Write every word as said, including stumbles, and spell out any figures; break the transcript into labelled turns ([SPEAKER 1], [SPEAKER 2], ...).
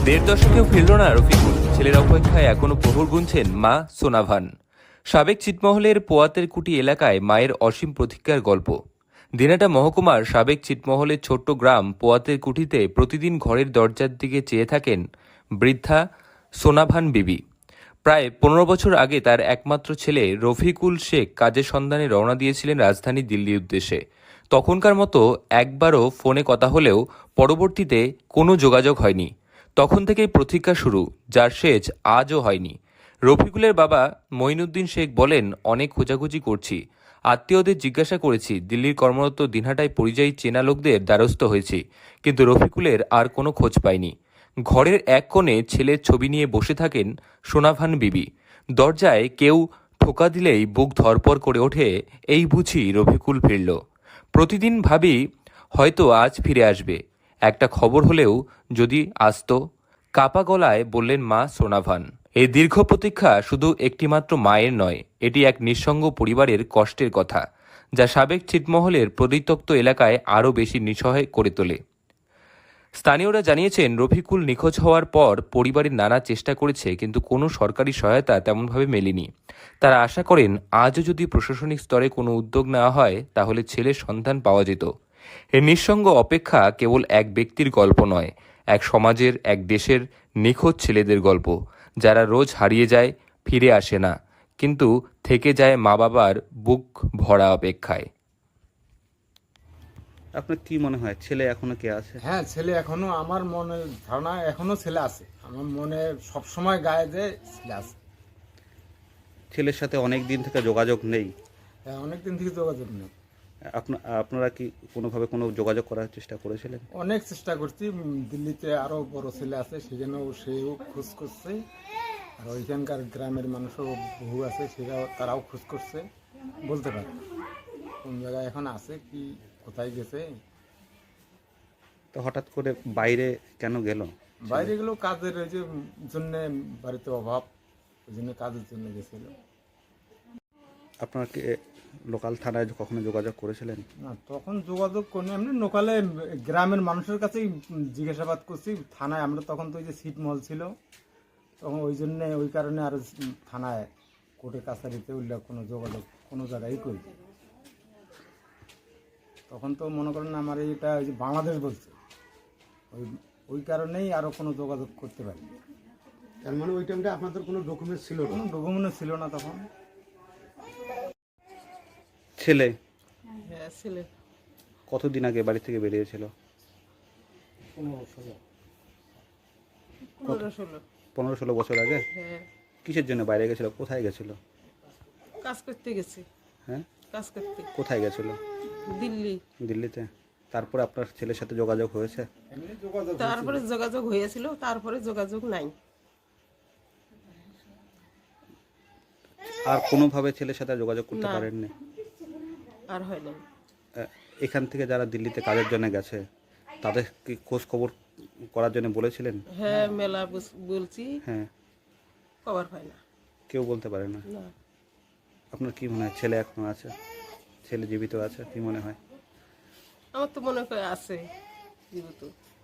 [SPEAKER 1] দেড় দশকেও ফিরল না রফিকুল। ছেলের অপেক্ষায় এখনো প্রহর গুনছেন মা সোনাভান। সাবেক ছিটমহলের পোয়াতের কুটি এলাকায় মায়ের অসীম প্রতীক্ষার গল্প। দিনাটা মহকুমার সাবেক ছিটমহলের ছোট্ট গ্রাম পোয়াতের কুঠিতে প্রতিদিন ঘরের দরজার দিকে চেয়ে থাকেন বৃদ্ধা সোনাভান বিবি। প্রায় পনেরো বছর আগে তার একমাত্র ছেলে রফিকুল শেখ কাজের সন্ধানে রওনা দিয়েছিলেন রাজধানী দিল্লির উদ্দেশ্যে। তখনকার মতো একবারও ফোনে কথা হলেও পরবর্তীতে কোনো যোগাযোগ হয়নি। তখন থেকেই প্রতীক্ষা শুরু, যার শেষ আজও হয়নি। রফিকুলের বাবা মঈনুদ্দিন শেখ বলেন, অনেক খোঁজাখুঁজি করছি, আত্মীয়দের জিজ্ঞাসা করেছি, দিল্লির কর্মরত দিনহাটায় পরিযায়ী চেনা লোকদের দ্বারস্থ হয়েছি, কিন্তু রফিকুলের আর কোনো খোঁজ পাইনি। ঘরের এক কোণে ছেলের ছবি নিয়ে বসে থাকেন সোনাভান বিবি। দরজায় কেউ ঠোকা দিলেই বুক ধরপর করে ওঠে, এই বুঝি রফিকুল ফিরল। প্রতিদিন ভাবি হয়তো আজ ফিরে আসবে, একটা খবর হলেও যদি আসতো। কাপা গলায় বললেন মা সোনাভান। এই দীর্ঘ প্রতীক্ষা শুধু একটিমাত্র মায়ের নয়, এটি এক নিঃসঙ্গ পরিবারের কষ্টের কথা, যা সাবেক ছিটমহলের পরিত্যক্ত এলাকায় আরও বেশি নিঃসহায় করে তোলে। স্থানীয়রা জানিয়েছেন, রফিকুল নিখোঁজ হওয়ার পর পরিবারের নানা চেষ্টা করেছে, কিন্তু কোনো সরকারি সহায়তা তেমনভাবে মেলেনি। তারা আশা করেন, আজও যদি প্রশাসনিক স্তরে কোনো উদ্যোগ নেওয়া হয় তাহলে ছেলের সন্ধান পাওয়া যেত। এই নিঃসঙ্গ অপেক্ষা কেবল এক ব্যক্তির গল্প নয়, এক সমাজের, এক দেশের নিখোঁজ ছেলেদের গল্প, যারা রোজ হারিয়ে যায়, ফিরে আসে না, কিন্তু থেকে যায় মা বাবার বুক ভরা অপেক্ষায়।
[SPEAKER 2] আপনার কি মনে হয় ছেলে এখনো কে আছে?
[SPEAKER 3] হ্যাঁ, ছেলে এখনো, আমার মনে ধারণা এখনো ছেলে আছে। আমার মনে সবসময় গায়ে যে ছেলে আছে।
[SPEAKER 2] ছেলের সাথে অনেক দিন থেকে যোগাযোগ নেই।
[SPEAKER 3] হ্যাঁ, অনেক দিন থেকে যোগাযোগ নেই।
[SPEAKER 2] আপনা আপনারা কি কোনোভাবে কোনো যোগাযোগ করার চেষ্টা করেছিলেন?
[SPEAKER 3] অনেক চেষ্টা করছি। উম, দিল্লিতে আরো বড় ছেলে আছে, সেখানেও সেও খোঁজ করছে। আর ওইখানকার গ্রামের মানুষও বহু আছে, সেটাও তারাও খোঁজ করছে। বলতে পারে না কোন জায়গায় এখন আছে, কি কোথায় গেছে।
[SPEAKER 2] তো হঠাৎ করে বাইরে কেন গেল?
[SPEAKER 3] বাইরে গেলো কাজের ওই যে জন্য, বাড়িতে অভাব, ওই জন্য কাজের জন্য গেছিল।
[SPEAKER 2] আপনারা কি লোকাল থানায় কখনো যোগাযোগ করেছিলেন?
[SPEAKER 3] না, তখন যোগাযোগ করি এমনি লোকালে গ্রামের মানুষের কাছেই জিজ্ঞাসাবাদ করছি। থানায় আমরা তখন তো ওই যে ছিটমহল ছিল, তখন ওই জন্যে ওই কারণে আর থানায় কোর্টে কাছারিতে উল্লেখ কোনো যোগাযোগ কোনো জায়গায় করি। তখন তো মনে করেন আমার এটা ওই যে বাংলাদেশ বলছে, ওই ওই কারণেই আরও কোনো যোগাযোগ করতে পারি।
[SPEAKER 4] তার মানে ওই টাইমটা আপনাদের কোনো ডকুমেন্ট ছিল না?
[SPEAKER 3] কোনো ডকুমেন্ট ছিল না তখন।
[SPEAKER 2] ছেলে
[SPEAKER 5] হ্যাঁ, ছেলে
[SPEAKER 2] কতদিন আগে বাড়ি থেকে বেরিয়েছিল?
[SPEAKER 5] পনেরো ষোলো।
[SPEAKER 2] পনেরো ষোলো বছর আগে?
[SPEAKER 5] হ্যাঁ,
[SPEAKER 2] কিসের জন্য বাইরে গেছিল? কোথায় গেছিল?
[SPEAKER 5] কাজ করতে গেছি।
[SPEAKER 2] হ্যাঁ,
[SPEAKER 5] কাজ করতে
[SPEAKER 2] কোথায় গেছিল?
[SPEAKER 5] দিল্লি।
[SPEAKER 2] দিল্লিতে। তারপরে আপনার ছেলের সাথে যোগাযোগ হয়েছে?
[SPEAKER 5] তারপরে যোগাযোগ হয়েছিল, তারপরে যোগাযোগ নাই।
[SPEAKER 2] আর কোনোভাবে ছেলের সাথে যোগাযোগ করতে
[SPEAKER 5] না।
[SPEAKER 2] পারেননি?
[SPEAKER 5] আর হয় নাই।
[SPEAKER 2] আহ, এখান থেকে যারা দিল্লিতে কাজের জন্য গেছে তাদের কি খোঁজ খবর করার জন্য বলেছিলেন?
[SPEAKER 5] হ্যাঁ, মেলা বুস- বলছি,
[SPEAKER 2] হ্যাঁ,
[SPEAKER 5] কভার হয় না।
[SPEAKER 2] কেউ বলতে পারে না।
[SPEAKER 5] না,
[SPEAKER 2] আপনার কি মনে হয় ছেলে এখনো আছে? ছেলে জীবিত আছে কি মনে হয়?
[SPEAKER 5] আমার তো মনে হয় আছে জীবিত।